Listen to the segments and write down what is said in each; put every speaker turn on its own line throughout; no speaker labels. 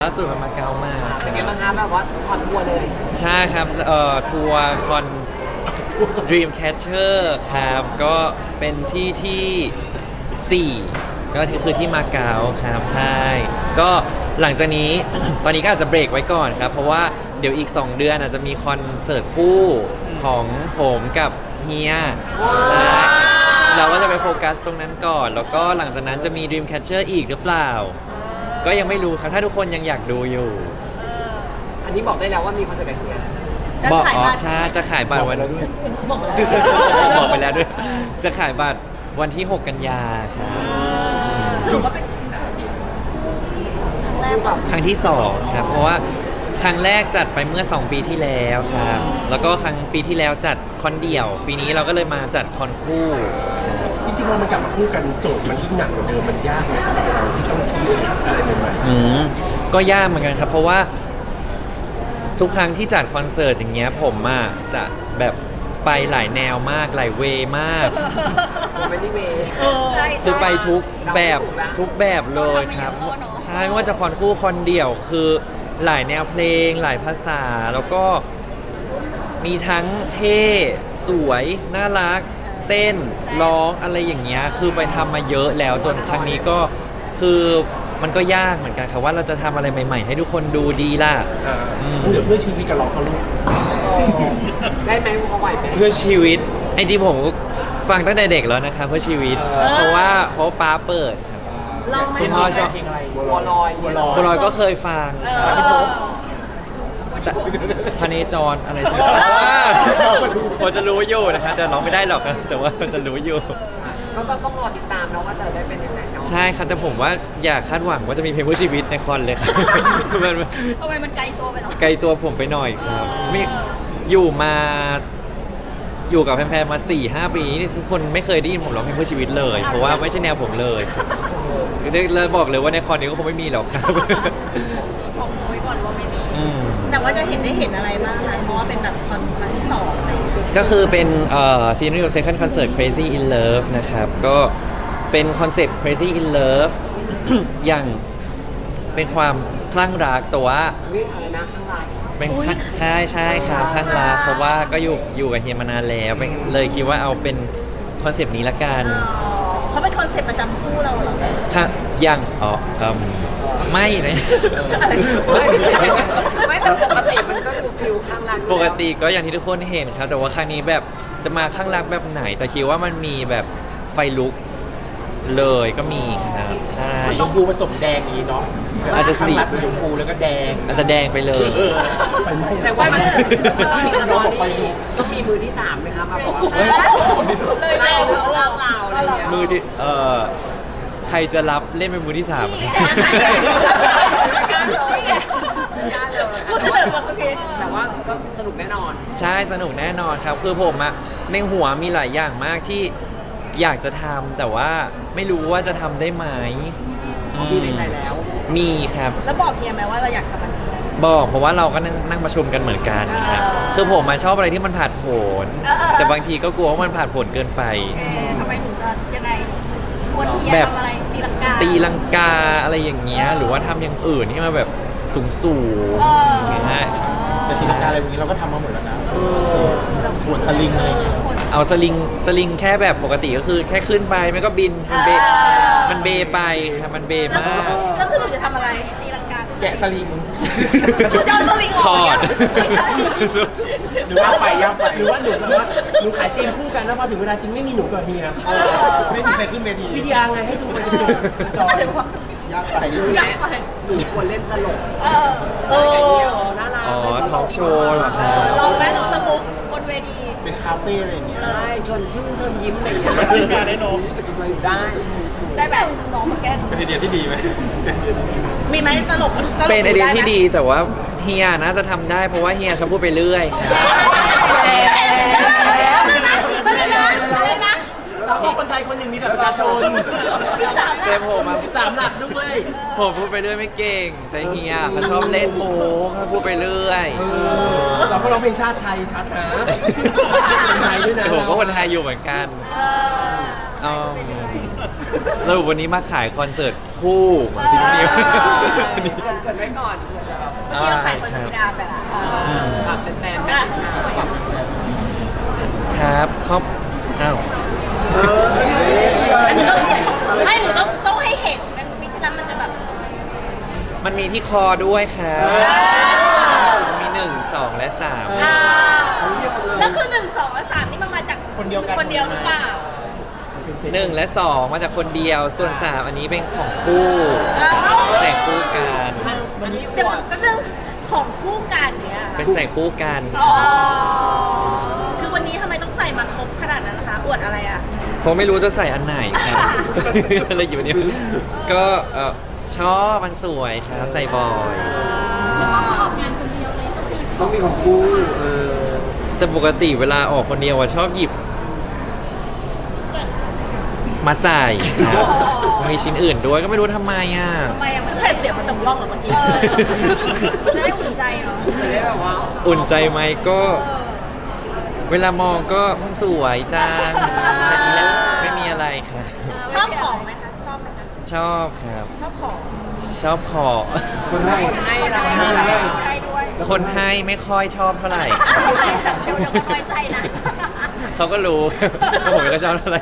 ล่าสุดมาเก๊ามา
เป็นไงบ้างคะแบบว่าคอนทัวร์เลย
ใช่ครับทัวร์คอน Dreamcatcher ครับก็เป็นที่4ก็คือที่มาเก๊าครับใช่ก็หลังจากนี้ ตอนนี้ก็อาจจะเบรกไว้ก่อนครับเพราะว่าเดี๋ยวอีก2 เดือนอาจจะมีคอนเสิร์ตคู่ของผมกับเฮียใช่เราก็จะไปโฟกัสตรงนั้นก่อนแล้วก็หลังจากนั้นจะมี Dreamcatcher อีกหรือเปล่าก็ยังไม่รู้ครับถ้าทุกคนยังอยากดูอยู่
อันนี้บอกได้แล้วว่ามีคอนเสิร์ตอะไรเนี่ย
บอกใช่จะขายบัตรวันบอกไปแล้วด้วยจะขายบัตรวันที่6 กันยาครับ
ถือว่าเป็น
ครั้งที่2ครับเพราะว่าครั้งแรกจัดไปเมื่อ2 ปีที่แล้วครับแล้วก็ครั้งปีที่แล้วจัดคอนเดี่ยวปีนี้เราก็เลยมาจัดคอนคู่
จริงๆว่ามันกลับมาคู่กันโจทย์มันยิ่งหนักกว่าเดิมมันยากเลยสำหรับเราที่ต้องคิดอะไรใหม่
ๆก็ยากเหมือนกันครับเพราะว่าทุกครั้งที่จัดคอนเสิร์ตอย่างเงี้ยผมจะแบบไปหลายแนวมากหลายเวมาก
ไม่ได้เว
คือไปทุกแบบเลยครับใช่ไม่ว่าจะคอนคู่คอนเดี่ยวคือหลายแนวเพลงหลายภาษาแล้วก็มีทั้งเท่สวยน่ารักเต้นร้องอะไรอย่างเงี้ยคือไปทำมาเยอะแล้วจนครั้งนี้ก็คือมันก็ยากเหมือนกันครับว่าเราจะทำอะไรใหม่ๆให้ทุกคนดูดีล่ะ
เพื่อชีวิตกับเราเขาลูก
ได้ไหมเขาไหวไหม
เพื่อชีวิตไอ้จริงผมฟังตั้งแต่เด็กแล้วนะครับเพื่อชีวิตเพราะป้าเปิดครับคุณพ่อชอบเพลงอะไร
บัวล
อยก็เคยฟังพเนจรอะไรสักผมจะรู้อยู่นะครับแต่ร้องไม่ได้หรอกแต่ว่าจะรู้อยู่
ก็ต้องรอติดตามนะว่าจะได้เป็นยังไงเนาะ
ใช่ครับแต่ผมว่าอยากคาดหวังว่าจะมีเพลงเพื่อชีวิตในคอนเลยครับ
ทำไมมันไกลตัวไปหรอ
ไกลตัวผมไปหน่อยครับไม่อยู่กับแฟนๆมา 4-5 ปีนี่ทุกคนไม่เคยได้ยินผมร้องเพลงเพื่อชีวิตเลยเพราะว่าไม่ใช่แนวผมเลยเลยบอกเลยว่าในคอนนี้ก็คงไม่มีหรอกครับ
บอกไว้ก่อนว่าไม่มีแต่ว่าจะได้เห็นอะไรบ้างคะเพราะว่าเป็นแบบครั้งที่2อะไร
ก็คือเป็นSeries of Second Concert Crazy in Love นะครับก็เป็นคอนเซ็ปต์ Crazy in Love อย่างเป็นความคลั่งรักแต่ว่า
อะไรนะข้างหลัง
เป็นใช่ครับคลั่งรักเพราะว่าก็อยู่กับเฮียมานานแล้วเลยคิดว่าเอาเป็นคอนเซ็ปต์นี้ละกัน
เขาเป็นคอนเซ็ปต์ประจำคู่เราเหรอ
ถ้ายังไม่เลย
ไม่แต่ปกติมันก็ดูฟิลข้างรัก
ปกติก็อย่างที่ทุกคนเห็นครับแต่ว่าครั้งนี้แบบจะมาข้างรักแบบไหนแต่คิดว่ามันมีแบบไฟลุกเลยก็มีครับใช่
ชมพูผสมแดงนี้เนาะ
อาจจะสี
ชมพูแล้วก็แดง
อาจจะแดงไปเลย
แต่ว่ามันต้องมีมือที่3ไหมครับมาบอกว่าเลยเรา
มือที่ใครจะรับเล่นเป็นมือที่3
แต่ว่าก็สนุกแน่นอน
ใช่สนุกแน่นอนครับคือผมในหัวมีหลายอย่างมากที่อยากจะทำแต่ว่าไม่รู้ว่าจะทำได้ไหม
มีในใจแล้ว
มีครับ
แล้วบอกเฮียไหมว่าเราอยากทำมัน
บอกเพราะว่าเราก็นั่งประชุมกันเหมือนกันครับคือผมชอบอะไรที่มันผ่านผลแต่บางทีก็กลัวว่ามันผ่านผลเกินไป
ทำไมถึงจะยังไงชวนเฮียทำอะไร
ตีลังกาอะไรอย่างเงี้ยหรือว่าทำอย่างอื่นที่มาแบบสูงอย่างเงี้ย
แต่ตีลังกาอะไรอย่างนี้เราก็ทำมาหมดแล้วนะชวนสลิงอะไรเงี้ย
เอาสลิงแค่แบบปกติก็คือแค่ขึ้นไปมันก็บินมันเบไปครับมันเบมาก
แล้วคือหนูจะทำอะไรตีลังกา
แกะสลิง
หนูจะเอาสลิงออก
หรือว่าไปย่างไปหรือว่าหนูขายเกมคู่กันแล้วพอถึงเวลาจริงไม่มีหนูกับเฮียไม่มีใครขึ้นเวทีวิทยาไงให้ดูไปจอยากไป
หนูควรเล่นตลกน่ารัก
ทอล์กโชว์เหรอครับ
ลองไหมลองสมุกบนเวที
เป็นคาเฟ่อะไรอย่างเงี้ย
ใช่ชวนชื่นชวนยิ้มอะไรอย่างเงี้ย
ได้น้อง
ได้แบบน้องมาแก้
เป็นไอเดียที่ดีไหม
มีไหมตลก
เป็นไอเดียที่ดีแต่ว่าเฮียน่าจะทำได้เพราะว่าเฮียชอบพูดไปเรื่อย
เราก็คนไทยคนหนึ่งมีแบบประชาชน
แต่ผม
13 หลักด้วย
ผมพูดไปเรื่อยไม่เก่งแต่เฮียเขาชอบเล่นโม้เขาพูดไปเรื่อย
เราก็ร้องเพลงชาติไทยชัดนะคนไทยด้วยนะ
ผมก็คนไทยอยู่เหมือนกันสรุปวันนี้มาขายคอนเสิร์ตคคู่ของซีนูนิว
เกิดไว้ก่อนเผื่อจะแบบ
เมื่อกี้เราขายคนธรรมดาไปละ
ฝากเป็นแฟนๆกันนะครับ
ครับอ้าว
อันนี้ต้องใส่ให้หนูต้องให้เห็นมันมีที่นั้นมันจะแบบ
มันมีที่คอด้วยครับมี1 2 และ 3
แล้วคือ1 2 และ 3นี่มันมาจากคนเดียวหรือเปล่า
1 และ 2 มาจากคนเดียว ส่วน 3 อันนี้เป็นของคู่แสงคู่กัน
มันมีข
เดี๋ยว
วด
ก็เรื่องของคู่กันเนี่ย
เป็นแสงคู่กัน
คือวันนี้ทำไมต้องใส่มาครบขนาดนั้นนะคะอวดอะไรอ่ะ
ผมไม่รู้จะใส่อันไหนครับ อะไรอยู่เนี่ยก็ชอบมันสวยครับใส่บ่อย
ต้องมีของคู่
แต่ปกติเวลาออกคนเดียวอะชอบหยิบ มาใส่ครับมีชิ้นอื่นด้วยก็ไม่รู้ทำไมอ่ะ
ทำไมอ่ะมันแผ่นเสียงมันตกล่องเหรอเมื่อกี้จะได้อุ่นใจเนาะ
จะได้แบบว่า
อุ่นใจไหมก็ เวลามองก็สวยจังไม่มีอะไรครับ
ชอบของไหมคะชอบไหมคะ
ชอบครับ
ชอบของ
ชอบขอ
คนให้
ให้เรา
ให้ด้วย
คนให้ไม่ค่อยชอบเท่าไหร่
ดูแล้วก็น้อยใจนะ
เขาก็รู้ ว่าผมไม่ค่อยชอบเท่าไหร่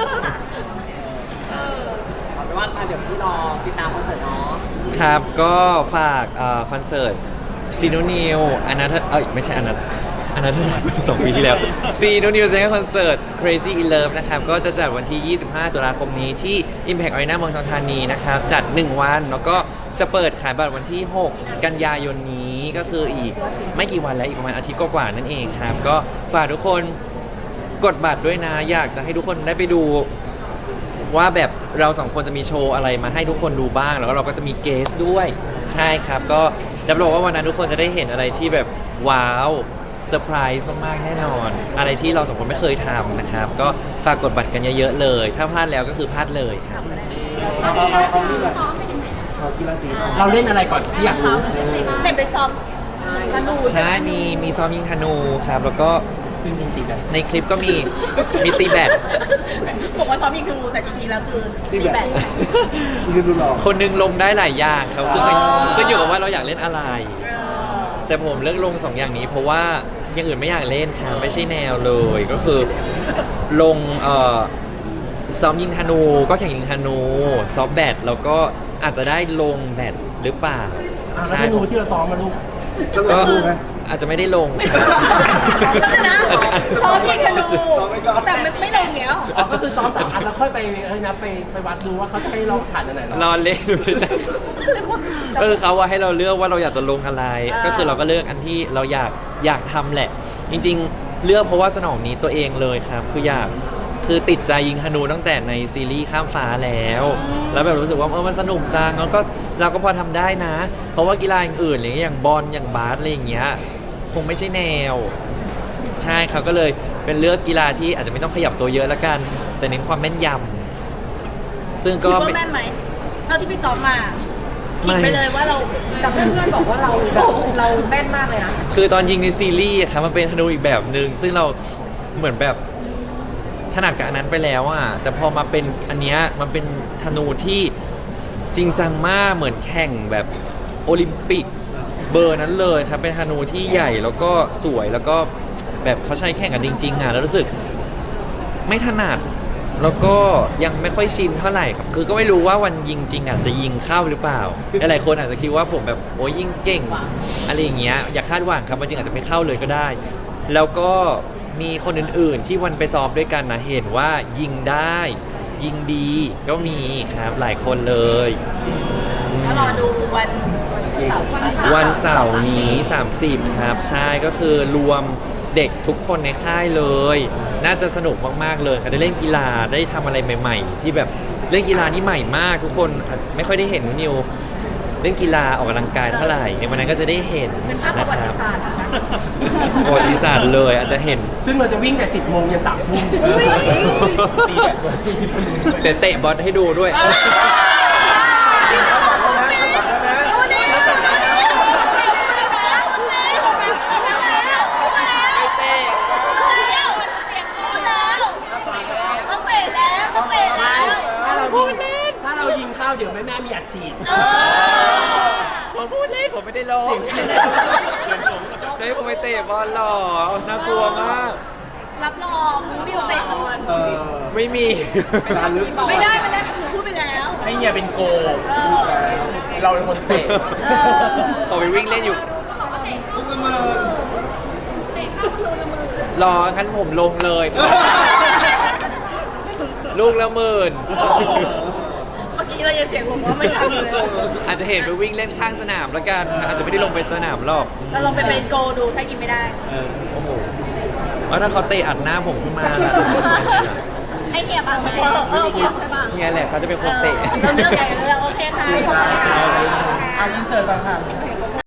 เอาเป็นว่าเดี๋ยวที่รอติดตามคอนเสิร์ตเนาะ
ครับก็ฝากคอนเสิร์ตซีโนนิวอนาถไม่ใช่อนาถ2 ปีที่แล้วซีโนนิวเซนคอนเสิร์ต Crazy in Love นะครับก็จะจัดวันที่ 25 ตุลาคมนี้ที่ Impact Arena เมืองทองธานีนะครับจัด 1 วันแล้วก็จะเปิดขายบัตรวันที่ 6 กันยายนนี้ก็คืออีกไม่กี่วันแล้วอีกประมาณอาทิตย์กว่าๆนั่นเองครับก็ฝากทุกคนกดบัตรด้วยนะอยากจะให้ทุกคนได้ไปดูว่าแบบเราสองคนจะมีโชว์อะไรมาให้ทุกคนดูบ้างแล้วก็เราก็จะมีเกสด้วยใช่ครับก็รับรองว่าวันนั้นทุกคนจะได้เห็นอะไรที่แบบว้าวเซอร์ไพรส์มากๆแน่นอนอะไรที่เราสองคนไม่เคยทำนะครับก็ฝากกดบัตรกันเยอะๆเลยถ้าพลาดแล้วก็คือพลาดเลยครับ
เราเล่นอะไรก่อนที่อยากรู้
เด็กไปซ้อมธนู
ใช่มีซ้อมยิงธนูครับแล้วก็
ซึ่งจริงๆแบบ
ในคลิปก็มีตีแบด
บอกว่าซ้อมยิงธนูแต่จริงๆแล้วคือตีแบด
ยืนดูหล่อ
คนหนึงลงได้หลายอย่างครับขึ้นอยู่กับว่าเราอยากเล่นอะไร แต่ผมเลือกลง2 อย่างนี้เพราะว่าอย่างอื่นไม่อยากเล่นครับไม่ใช่แนวเลยก็คือลงซ้อมยิงธนูก็แข่งยิงธนูซ้อมแบดแล้วก็อาจจะได้ลงแบดหรือเปล่า
แล้ว
ใช่
ธนูที่เราซ้อมมาลูก
ก็อาจจะไม่ได้ลง
นะ
อาจจะ
ซ้อมยิงธนูแต่ไม่ลงเงี้ยหรอ
อ๋อก็คือซ้อมแต่อันแล้วค่อยไปนะไปวัดดูว่าเขาจะให้เราผ่านอันไหน
รอเล่นไม่ใช่ก็คือเขาว่าให้เราเลือกว่าเราอยากจะลงอะไร ก็คือเราก็เลือกอันที่เราอยากทำแหละ จริงๆ เลือกเพราะว่าสนองนี้ตัวเองเลยครับคือติดใจยิงธนูตั้งแต่ในซีรีส์ข้ามฟ้าแล้วแบบรู้สึกว่ามันสนุกจังแล้วก็เราก็พอทำได้นะ เพราะว่ากีฬาอื่นๆอย่างบอลอย่างบาสอะไรอย่างเงี้ยคงไม่ใช่แนว ใช่ครับก็เลยเป็นเลือกกีฬาที่อาจจะไม่ต้องขยับตัวเยอะแล้วกัน แต่เน้นความแม่นยำซึ่ง
คิ
ก็
ดว่าแม่นไหมเท่าที่พี่ซ้อมมาคิดไปเลยว่าเราแต่เพื่อนๆบอกว่าเราแม่นมากเลยนะ
คือตอนยิงในซีรีส์อะครับมันเป็นธนูอีกแบบหนึ่งซึ่งเราเหมือนแบบถนัดกับอันนั้นไปแล้วอ่ะแต่พอมาเป็นอันเนี้ยมันเป็นธนูที่จริงจังมากเหมือนแข่งแบบโอลิมปิกเบอร์นั้นเลยครับเป็นธนูที่ใหญ่แล้วก็สวยแล้วก็แบบเขาใช้แข่งกันจริงๆอ่ะแล้วรู้สึกไม่ถนัดแล้วก็ยังไม่ค่อยชินเท่าไหร่ครับคือก็ไม่รู้ว่าวันยิงจริงอ่ะจะยิงเข้าหรือเปล่าหลายๆคนอาจจะคิดว่าผมแบบโอ้ยยิงเก่งอะไรอย่างเงี้ยอย่าคาดหวังครับมันจริงอาจจะไม่เข้าเลยก็ได้ แล้วก็มีคนอื่นๆที่วันไปซ้อมด้วยกันนะเห็นว่ายิงได้ยิงดีก็มีครับหลายคนเลย
ถ้ารอดูวันเสาร์
วันเสาร์นี้ 30 ครับใช่ก็คือรวมเด็กทุกคนในค่ายเลย น่าจะสนุกมากๆเลยค่ะได้เล่นกีฬาได้ทำอะไรใหม่ๆ ที่แบบเล่นกีฬานี่ใหม่มากทุกคนอาจไม่ค่อยได้เห็นนิวเล่นกีฬาออกกำลังกายเท่าไหร่ในวันนั้นก็จะได้เห็น
เป็นภาพประ
นะ
วั
ค
ติ
รับ
ศาสตร์นะคะ
ประวัติศาสตร์เลยอาจจะเห็น
ซึ่งเราจะวิ่งแต่10 โมงยัน3 ทุ่มตีแบบ
เดี๋ยวเตะบอลให้ดูด้วย
ต้องเตะแล้ว
ถ้าเรายิงเข้าเดี๋ยวแม่มีอ
ลงจะให้ผมไปเตะบอลหรอน่ากลัวมาก
รับรองบิวเตะบอล
ไม่มี
การลึก
ไม่ได้หนูพูดไปแล้ว
ให้เนี่ยเป็นโกล
เออ
เราเป็นคนเตะ
ขอไปวิ่งเล่นอยู่
ลูกละเมอ
รองั้นผมลงเลย ลูกละหมื่น
เมื่อกี้เรายังเสียงผมว่าไม่ทำเลย
อาจจะเห็นไปวิ่งเล่นข้างสนามแล้วกัน อาจจะไม่ได้ลงไปสนามหรอก
เราลองไปเป็นโกดูถ้ากินไม่ได้
โอ้โหแล้วถ้าเขาเตะอัดหน้าผมขึ้นมาล่ะ
ให้เกียร์บางไหมให้เกียร์บาง
เนี่ยแหละเขาจะเป็นคนเตะ
เราเลือกใหญ่เลือกโอเคค่ะ
อินเสิร์ตต่างหาก